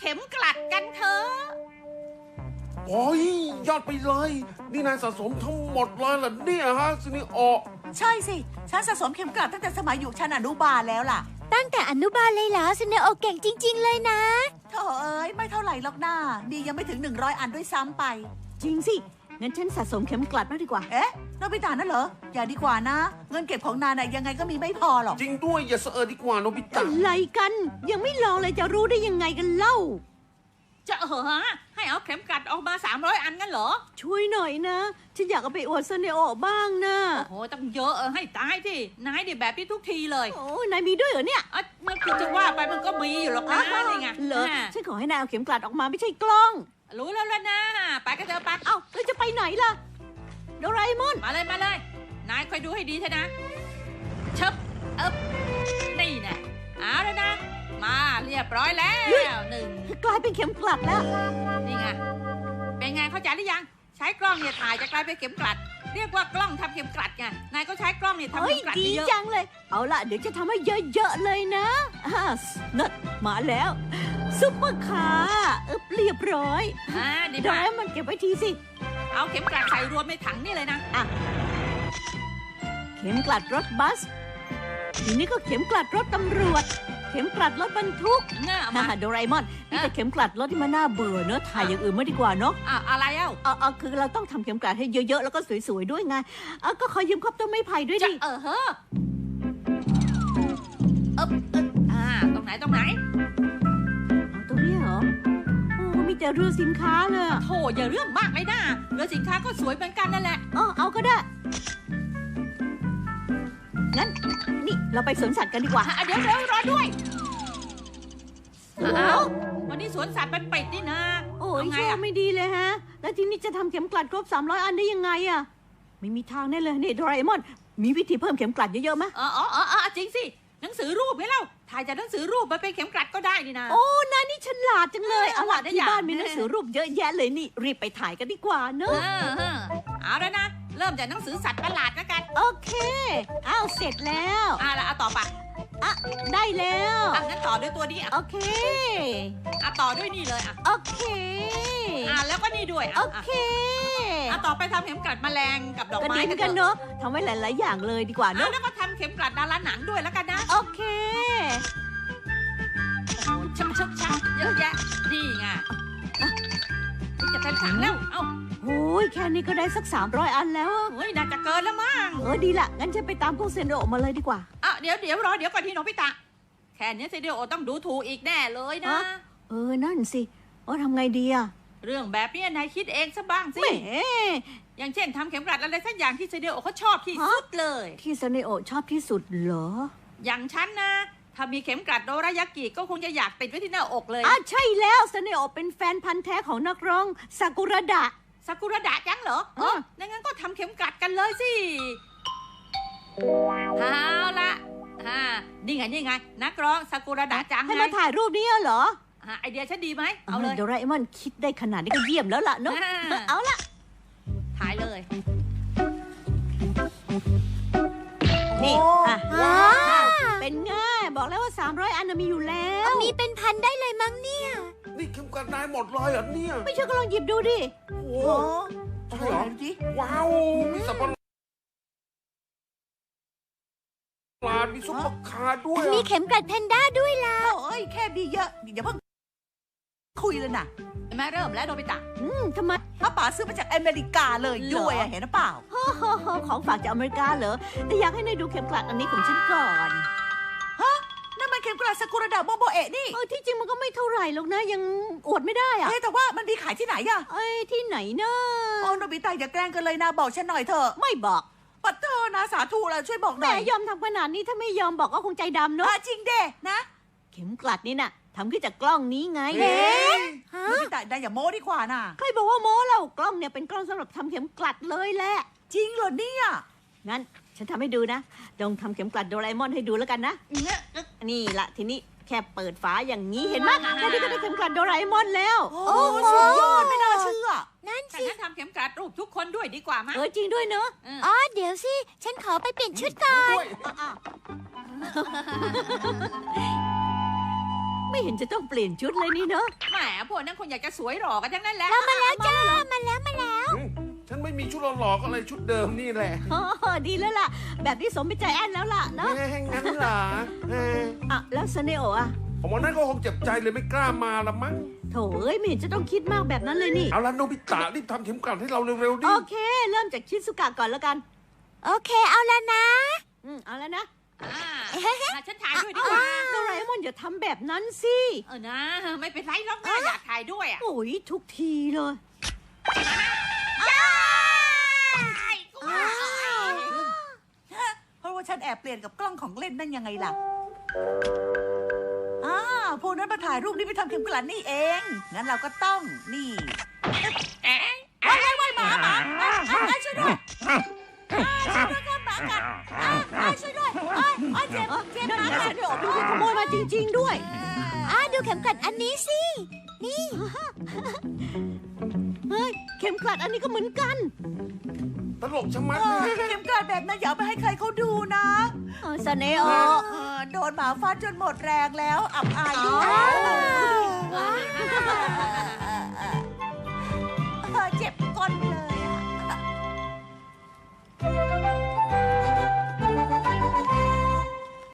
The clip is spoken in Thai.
เข็มกลัดกันเถอะโอ้ยยอดไปเลย นี่นายสะสมทั้งหมดเลยเหรอเนี่ยฮะซินิโอใช่สิฉันสะสมเข็มกลัดตั้งแต่สมัยอยู่ชั้นอนุบาลแล้วล่ะตั้งแต่อนุบาลเลยเหรอซินเนโอเก่งจริง ๆ เลยนะโธ่เอ้ยไม่เท่าไหร่หรอกหน้าดียังไม่ถึง100 อันด้วยซ้ำไปจริงสิงั้นฉันสะสมเข็มกลัดมากดีกว่าเอ๊ะโนบิตะนั่นเหรออย่าดีกว่านะ เงินเก็บของนายน่ะยังไงก็มีไม่พอหรอกจริงด้วยอย่าเสอดีกว่าโนบิตะอะไรกัน ยังไม่ลองเลยจะรู้ได้ยังไงกันเล่าจะฮะให้เอาเข็มกลัดออกมา300 อันงั้นเหรอช่วยหน่อยนะ ฉันอยากเอาไปอวดซินเนโอบ้างนะโอ้โหต้องเยอะให้ตายที่นายดิแบบนี้ทุกทีเลยโอ้นายมีด้วยเหรอเนี่ยมันคือจะว่าไปมันก็มีอยู่หรอกนะนี่ไงเหรออ่าฉันขอให้นายเอาเข็มกลัดออกมาไม่ใช่กล้องรู้แล้วล่ะนะไปกันเถอะไปเอ้าแล้วจะไปไหนล่ะโดราเอมอนมาเลยนายคอยดูให้ดีเถอะนะเชิบนี่แน่เอาแล้วนะมาเรียบร้อยแล้วหนึ่งกลายเป็นเข็มกลัดแล้วนี่ไงเป็นไงเข้าใจหรือยังใช้กล้องเนี่ยถ่ายจะกลายเป็นเข็มกลัด เรียกว่ากล้องทำเข็มกลัดไงนายก็ใช้กล้องเนี่ยทำเฮ้ยเข็มกลัดดีเยอะจังเลย เอาล่ะเดี๋ยวจะทำให้เยอะๆเลยนะนั่นมาแล้วซุปเปอร์คาร์เรียบร้อยดีโดมาราก เอมอนเก็บไว้ทีสิเอาเข็มกลัดใส่รวมในถังนี่เลยนะเข็มกลัดรถบัส ทีนี้ก็เข็มกลัดรถตำรวจ เข็มกลัดรถบรรทุกเงามาโดราเอมอนนี่แต่เข็มกลัดรถที่มันน่าเบื่อเนอะถ่ายอย่างอื่นไม่ดีกว่าเนอะอะไรเอ้าคือเราต้องทำเข็มกลัดให้เยอะๆแล้วก็สวยๆด้วยไงก็ขอยืมครบต้นไม้ไผ่ด้วยจะดิเฮ้อตรงไหนเอาตรงนี้เหรอโอ้มีแต่เรือสินค้าเลยอะโธ่อย่าเรื่องมากเลยนะเรือสินค้าก็สวยเหมือนกันนั่นแหละเอาก็ได้งั้นนี่เราไปสวนสัตว์กันดีกว่าเดี๋ยวรอด้วยวันนี้สวนสัตว์มันปิดนี่นะโอ้ยเอาไงโชอะคไม่ดีเลยฮะ แล้วทีนี้จะทำเข็มกลัดครบ300 อันได้ยังไงอะไม่มีทางแน่เลยนี่โดราเอมอน มีวิธีเพิ่มเข็มกลัดเยอะๆไหมจริงสิหนังสือรูปไหมเล่าถ่ายจากหนังสือรูปมาเป็นเข็มกลัดก็ได้นี่นะโอ้นายนี่ฉลาดจังเลย เอาล่ะได้ที่อย่างบ้านมีหนังสือรูปเยอะแยะเลยนี่ รีบไปถ่ายกันดีกว่าเนอะเอาแล้วนะเริ่มจากหนังสือสัตว์ประหลาดแล้วกันโอเคอ้าวเสร็จแล้วแล้วเอาต่อไปได้แล้วงั้นต่อด้วยตัวนี้โอเคต่อด้วยนี่เลยโอเคแล้วก็นี่ด้วยโอเคต่อไปทำเข็มกลัดแมลงกับดอกก็ไม้ดีเหมือนกันเนอะทำไว้หลายๆอย่างเลยดีกว่าเนอะแล้วก็ทำเข็มกลัดดาราหนังด้วยแล้วกันนะโอเคชักเยอะแยะนี่ไงจะเต็มถังแล้วเอ้าโอ้ยแค่นี้ก็ได้สัก300 อันแล้วอะเฮ้ยน่าจะเกินแล้วมั้งดีละงั้นฉันไปตามพวกเซนโดมาเลยดีกว่าเดี๋ยวรอเดี๋ยวก่อนที่น้องพิตะแค่นี้เซเดียโอต้องดูถูกอีกแน่เลยนะนั่นสิทำไงดีอะเรื่องแบบนี้นายคิดเองซะบ้างสิแหมอย่างเช่นทำเข็มกลัดอะไรสักอย่างที่เซเดียโอเขาชอบที่สุดเลยที่เซนโอชอบที่สุดเหรออย่างฉันนะ ถ้ามีเข็มกลัดโดรายากิก็คงจะอยากติดไว้ที่หน้าอกเลยใช่แล้วเซนโอเป็นแฟนพันธ์แท้ของนักร้องซากุระดะซากุระดะจังเหรองั้นก็ทำเข็มกลัดกันเลยสิเอาละนี่ไงนักร้องซากุระดะจังให้ไงมาถ่ายรูปนี้เหรอไอเดียฉันดีไหมเอาเลยโดราเอมอนคิดได้ขนาดนี้ก็เยี่ยมแล้วล่ะเนาะเอาละถ่ายเลยนี่ว้าเป็นไงบอกแล้วว่า300 อันน่ะมีอยู่แล้วมีเป็นพันได้เลยมั้งเนี่ยนี่เข็มกลัดนายหมดเลยเหรอเนี่ยไม่เชื่อก็ลองหยิบดูดิโอ้โหโอ้ใช่เหรอดูดิว้าวมีสับปะหลาดมีซุปเปอร์คาร์ด้วยมีเข็มกลัดแพนด้าด้วยล่ะโอ้ยแค่มีเยอะอย่าเพิ่งคุยเลยนะแม่เริ่มแล้วโนบิตะทำไมป้าป๋าซื้อมาจากอเมริกาเลยด้วยเห็นหรือเปล่าของฝากจากอเมริกาเหรอ แต่อยากให้นายดูเข็มกลัดอันนี้ของฉันก่อนนั่นมันเข็มกลัดซากุระดะโมโบเอะนี่ที่จริงมันก็ไม่เท่าไหร่หรอกนะยังอวดไม่ได้อะแต่ว่ามันมีขายที่ไหนอะที่ไหนนะโอ้โนบิตะอย่าแกล้งกันเลยนะบอกฉันหน่อยเถอะไม่บอกปัดเธอนะสาธุแล้วช่วยบอกหแหมน่อยยอมทำขนาดนี้ถ้าไม่ยอมบอกก็คงใจดำเนาะจริงเด้นะเข็มกลัดนี่น่ะทำขึ้นจากกล้องนี้ไงเอ๊ะ โนบิตะนายอย่าโม้ดีกว่าน่ะใครบอกว่าโม้เรากล้องเนี่ยเป็นกล้องสำหรับทำเข็มกลัดเลยแหละจริงเหรอเนี่ยงั้นฉันทำให้ดูนะลองทำเข็มกลัดโดราเอมอนให้ดูแล้วกันนะนี่ละทีนี้แค่เปิดฝาอย่างนี้เห็นไหมแค่นี้ก็ได้เข็มกลัดโดราเอมอนแล้วโอ้สุดยอดไม่น่าเชื่อนั่นถ้าสิงั้นทำเข็มกลัดรูปทุกคนด้วยดีกว่ามั้ยจริงด้วยเนอะเดี๋ยวสิ ฉันขอไปเปลี่ยนชุดก่อนด้วยวไม่เห็นจะต้องเปลี่ยนชุดเลยนี่เนอะแหมพวกนั้นคงอยากจะสวยหล่อกันทั้งนั้นแหละมาแล้วจ้า มาแล้วฉันไม่มีชุดหล่อๆก็เลยชุดเดิมนี่แหละอ๋อดีแล้วล่ะ แบบนี้สมเป็นใจแอนแล้วล่ะเนาะงั้นเหรออ่ะแล้วสเนโอะอ่ะผมว่านั่นก็คงเจ็บใจเลยไม่กล้ามาละมั้งโถเอ้ยไม่เห็นจะต้องคิดมากแบบนั้นเลยนี่เอาละโนบิตะรีบทำเข็มกลัดให้เราเร็วๆดิโอเค เริ่มจากชิซุกะก่อนแล้วกันโอเคเอาแล้วนะเอาแล้วนะฉันถ่ายด้วยดีกว่าโดราเอมอนอย่าทำแบบนั้นสินะไม่เป็นไรหรอกนะอยากถ่ายด้วยอ่ะโอ้ยทุกทีเลยเพราะว่าฉันแอบเปลี่ยนกับกล้องของเล่นนั่นยังไงล่ะพวกนั้นมาถ่ายรูปนี่ไปทำเข็มกลัดนี่เอง งั้นเราก็ต้องนี่ว้ายหมาช่วยด้วยช่วยด้วยครับหมากัดช่วยด้วยเจ็บนั่นไงสเนโอะมันขโมยมาจริงๆด้วยดูเข็มกลัดอันนี้สิ นี่เฮ้ย เข็มกลัดอันนี้ก็เหมือนกันตลกชะมัดเลยเข็มกลัดแบบนั้นอย่าเอาไปให้ใครเขาดูนะสเนโอะโดนหมาฟาดจนหมดแรงแล้ว อับอายด้วยเจ็บ